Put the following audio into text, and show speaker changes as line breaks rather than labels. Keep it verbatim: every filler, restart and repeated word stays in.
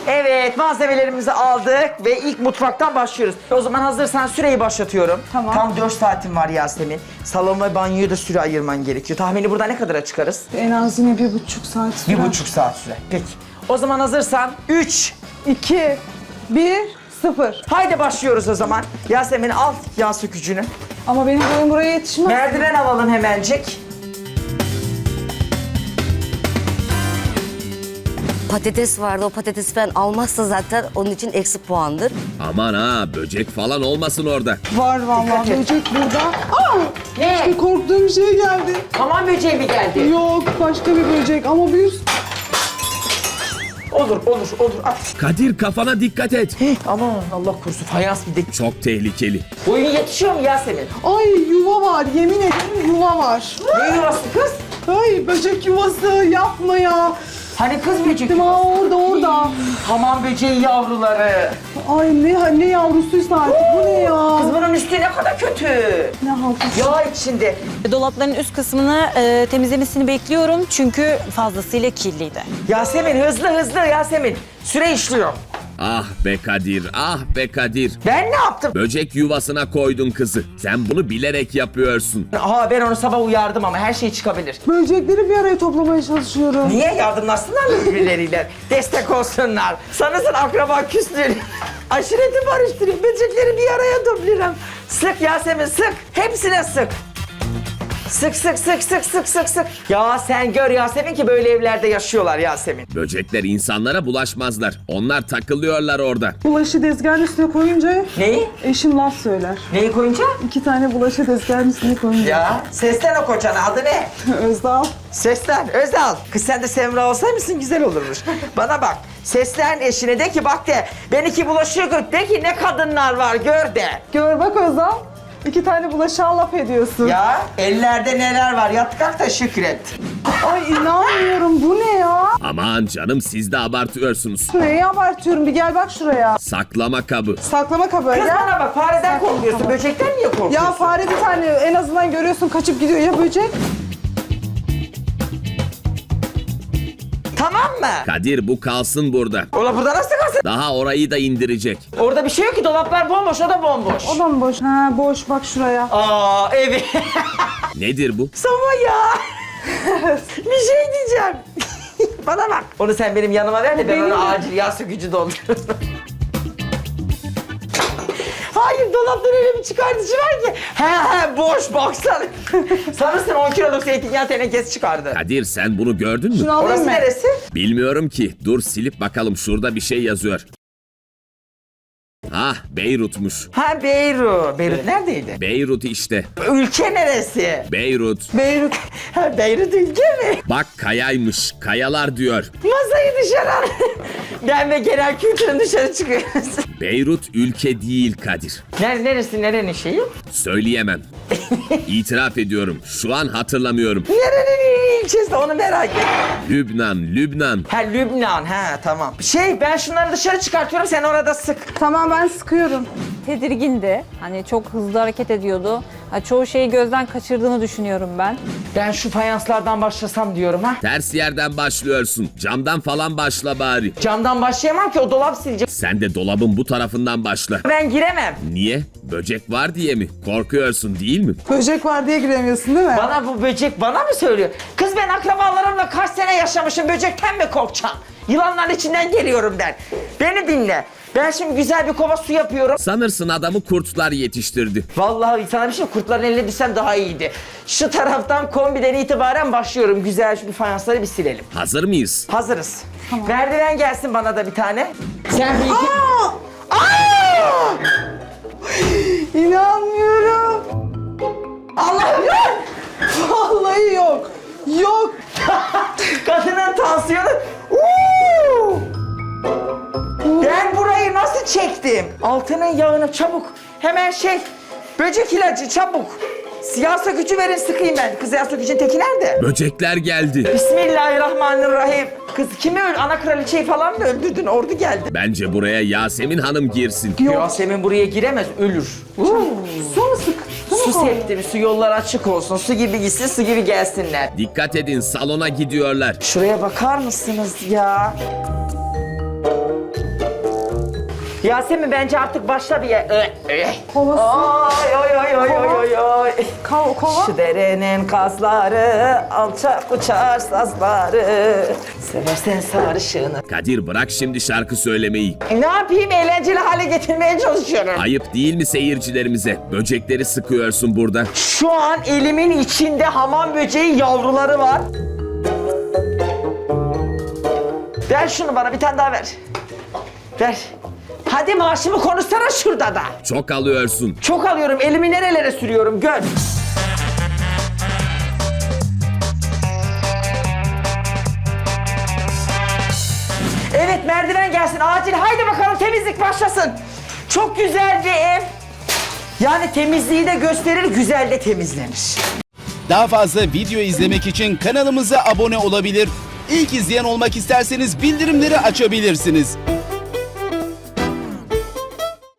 Evet, malzemelerimizi aldık ve ilk mutfaktan başlıyoruz. O zaman hazırsan süreyi başlatıyorum.
Tamam.
Tam dört saatin var Yasemin. Salon ve banyoya da süre ayırman gerekiyor. Tahmini burada ne kadara çıkarız?
En az yine bir buçuk saat sürer.
Bir buçuk saat süre. Peki. O zaman hazırsan üç.
İki, bir, sıfır.
Haydi başlıyoruz o zaman. Yasemin al yağ sökücünü.
Ama benim boyum buraya yetişmez.
Merdiven alalım hemencik.
Patates vardı. O patatesi ben almazsa zaten onun için eksi puandır.
Aman ha, böcek falan olmasın orada.
Var
Dikkat
vallahi
et.
böcek burada. Aa!
Ne?
İşte korktuğum şey geldi.
Hamam böceği mi geldi?
Yok başka bir böcek ama bir...
Olur, olur, olur. At.
Kadir, kafana dikkat et.
Aman Allah korusun, fayans bir de.
Çok tehlikeli.
Boyun yetişiyor mu Yasemin?
Ay yuva var yemin ederim yuva var.
Ne yuvası kız?
Ay böcek yuvası yapma ya.
Hani kız böcek
Değil mi? Aa, orada orada.
Hamam böceği yavruları.
Ay ne ne yavrusuysa artık bu ne ya?
Kız bunun üstü ne kadar kötü.
Ne halkası?
Yağ içinde.
Dolapların üst kısmını e, temizlemesini bekliyorum çünkü fazlasıyla kirliydi.
Yasemin hızlı hızlı Yasemin. Süre işliyor.
Ah be Kadir, ah be Kadir.
Ben ne yaptım?
Böcek yuvasına koydun kızı. Sen bunu bilerek yapıyorsun.
Aha ben onu sabah uyardım ama her şey çıkabilir.
Böcekleri bir araya toplamaya çalışıyorum.
Niye yardımlaşsınlar mı birbirleriyle? Destek olsunlar. Sanırsın akraba küslüğünü. Aşireti barıştırıyor. Böcekleri bir araya topluyorum. Sık Yasemin sık. Hepsine sık. Sık sık sık sık sık sık sık. Ya sen gör Yasemin ki böyle evlerde yaşıyorlar Yasemin.
Böcekler insanlara bulaşmazlar. Onlar takılıyorlar orada.
Bulaşı tezgahın üstüne koyunca
Neyi?
eşim laf söyler.
Neyi koyunca?
İki tane bulaşı tezgahın üstüne koyunca.
Ya seslen o kocana, adı ne?
Özdal.
Seslen Özal. Kız sen de Semra olsaymışsın güzel olurmuş. Bana bak. Seslen eşine de ki bak de. Ben iki bulaşığı gör. De ki ne kadınlar var gör de.
Gör bak Özdal. İki tane bulaşığa laf ediyorsun.
Ya ellerde neler var yat kalk da şükret.
Ay inanmıyorum bu ne ya?
Aman canım, siz de abartıyorsunuz.
Neyi abartıyorum bir gel bak şuraya.
Saklama kabı.
Saklama kabı.
Kız
Ya,
bana bak fareden korkuyorsun. Böcekten niye korkuyorsun?
ya fare bir tane en azından görüyorsun kaçıp gidiyor ya böcek.
Tamam mı?
Kadir, bu kalsın burada.
Ola burada nasıl kalsın?
Daha orayı da indirecek.
Orada bir şey yok ki dolaplar bomboş o da bomboş.
O da mı boş? Ha boş bak şuraya.
Aa evet.
Nedir bu?
Sama ya. Bir şey diyeceğim. Bana bak. Onu sen benim yanıma ver de ben
Benim
ona
de.
acil yağ sökücü doldururum. Hayır dolaptan öyle bir çıkartıcı var ki. He he boş baksana. Sanırsın on kiloluk zeytinyağı tenekesi çıkardı.
Kadir, sen bunu gördün mü?
Şunu alayım
Orası
mı?
neresi?
Bilmiyorum ki. Dur silip bakalım, şurada bir şey yazıyor. Ah, Beyrut'muş.
Ha Beyrut. Beyrut neredeydi?
Beyrut işte.
Ülke neresi?
Beyrut.
Beyrut.
Ha Beyrut ülke mi?
Bak, kayaymış. Kayalar diyor.
Masayı dışarı al. Ben ve genel kültürün dışarı çıkıyoruz.
Beyrut ülke değil Kadir.
Neresi, neresi, nerenin şeyi?
Söyleyemem. İtiraf ediyorum. Şu an hatırlamıyorum.
Nerenin ilçesi onu merak ettim.
Lübnan, Lübnan.
Ha Lübnan, ha tamam. Şey ben şunları dışarı çıkartıyorum sen orada sık.
Tamam ben sıkıyorum.
Tedirgindi. Hani çok hızlı hareket ediyordu. Ha, çoğu şeyi gözden kaçırdığını düşünüyorum ben.
Ben şu fayanslardan başlasam diyorum ha.
Ters yerden başlıyorsun. Camdan falan başla bari.
Camdan başlayamam ki o dolap silecek.
Sen de dolabın bu tarafından başla.
Ben giremem.
Niye? Böcek var diye mi? Korkuyorsun değil mi?
Böcek var diye giremiyorsun değil mi?
Bana bu böcek bana mı söylüyor? Kız ben akrabalarımla kaç sene yaşamışım böcekten mi korkacağım? Yılanların içinden geliyorum ben. Beni dinle. Ben şimdi güzel bir kova su yapıyorum.
Sanırsın adamı kurtlar yetiştirdi.
Vallahi sana bir şey kurtların eline düşsem daha iyiydi. Şu taraftan kombiden itibaren başlıyorum. Güzel şu bir fayansları bir silelim.
Hazır mıyız?
Hazırız. Merdiven gelsin bana da bir tane. Sen bir iki... Aa!
İnanmıyorum.
Allah'ım!
Vallahi yok. Yok.
Kadının tansiyonu... Uuu! Ben burayı nasıl çektim? Altının yağını çabuk. Hemen şey... Böcek ilacı çabuk. Siyah sökücü verin sıkayım ben. Kız yağ sökücünün teki nerede?
Böcekler geldi.
Bismillahirrahmanirrahim. Kız kimi öl? Ana kraliçeyi falan mı öldürdün? Ordu geldi.
Bence buraya Yasemin Hanım girsin.
Yasemin buraya giremez, ölür.
Su mu sık? Su mu
Su
koy?
septim, su yollar açık olsun. Su gibi gitsin, su gibi gelsinler.
Dikkat edin, salona gidiyorlar.
Şuraya bakar mısınız ya? Yasemin bence artık başla bir ye- Ö, ö.
Kovası.
Ay ay ay ay ay ay ay.
Kova, kova.
Şu derenin kasları, alçak uçar sazları. Seversen sarışını.
Kadir bırak şimdi şarkı söylemeyi.
E, ne yapayım, eğlenceli hale getirmeye çalışıyorum.
Ayıp değil mi seyircilerimize? Böcekleri sıkıyorsun burada.
Şu an elimin içinde hamam böceği yavruları var. Ver şunu bana, bir tane daha ver. Ver. Hadi maaşımı konuşsana şurada da.
Çok alıyorsun.
Çok alıyorum, elimi nerelere sürüyorum gör. Evet, merdiven gelsin acil, haydi bakalım temizlik başlasın. Çok güzel bir ev. Yani temizliği de gösterir, güzel de temizlenir.
Daha fazla video izlemek için kanalımıza abone olabilir. İlk izleyen olmak isterseniz bildirimleri açabilirsiniz.